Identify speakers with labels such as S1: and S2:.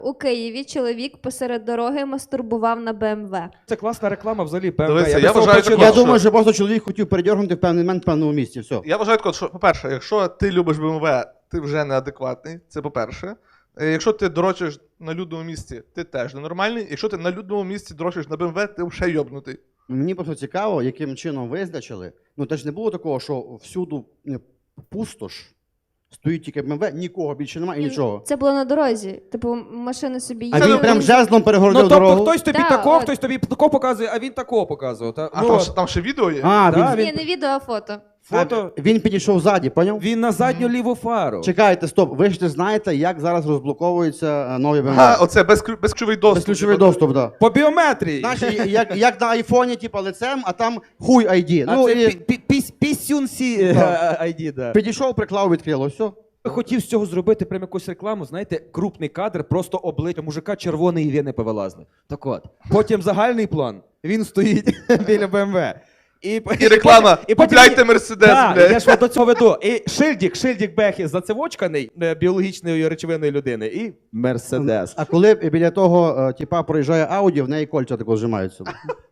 S1: У Києві чоловік посеред дороги мастурбував на БМВ.
S2: Це класна реклама взагалі BMW.
S3: Дивися,
S2: би
S3: я
S2: з того
S3: вважаю,
S2: починав.
S4: Я думаю, що просто чоловік хотів передергнути в певний момент в певному місці. Все.
S3: Я вважаю, що, по-перше, якщо ти любиш БМВ, ти вже неадекватний, це по-перше. Якщо ти дрочиш на людному місці, ти теж ненормальний. Якщо ти на людному місці дрочиш на БМВ, ти вже йобнутий.
S4: Мені просто цікаво, яким чином визначили. Ну, теж не було такого, що всюду пустош, стоїть тільки БМВ, нікого більше немає і нічого.
S1: Це було на дорозі. Типу, машини собі
S4: А
S1: їздили.
S4: він прям жезлом перегородив
S2: Ну, тобто
S4: дорогу.
S2: хтось тобі
S1: Да,
S2: тако,
S1: от.
S2: хтось тобі тако показує, а він такого показував. Та?
S3: А
S2: Ну,
S3: там ще відео є?
S4: А,
S2: Да,
S4: він,
S1: Ні, не відео, а фото.
S2: фото,
S4: він підійшов ззаді, поняв?
S2: він на задню ліву фару.
S4: Чекайте, стоп, ви ж не знаєте, як зараз розблоковуються нові БМВ.
S3: Оце безключовий доступ.
S4: Безключовий доступ, так.
S2: По біометрії.
S4: Знаєш, як на айфоні, типа лицем, а там хуй ID.
S2: А
S4: Ну,
S2: це
S4: і
S2: пісюнсі
S4: Да.
S2: ID, да.
S4: підійшов, приклав, відкрило, все.
S2: Хотів з цього зробити прям якусь рекламу, знаєте, крупний кадр, просто обличчя мужика червоної вени повилазли. Так от. Потім загальний план. Він стоїть біля БМВ.
S3: І реклама. Купляйте Мерседес,
S2: Так,
S3: блядь.
S2: я ж до цього веду. І шильдик Бехі зацевочканий біологічною речовиною людини. І Мерседес.
S4: А коли біля того, типа, проїжджає Ауді, в неї кольця тако зжимаються.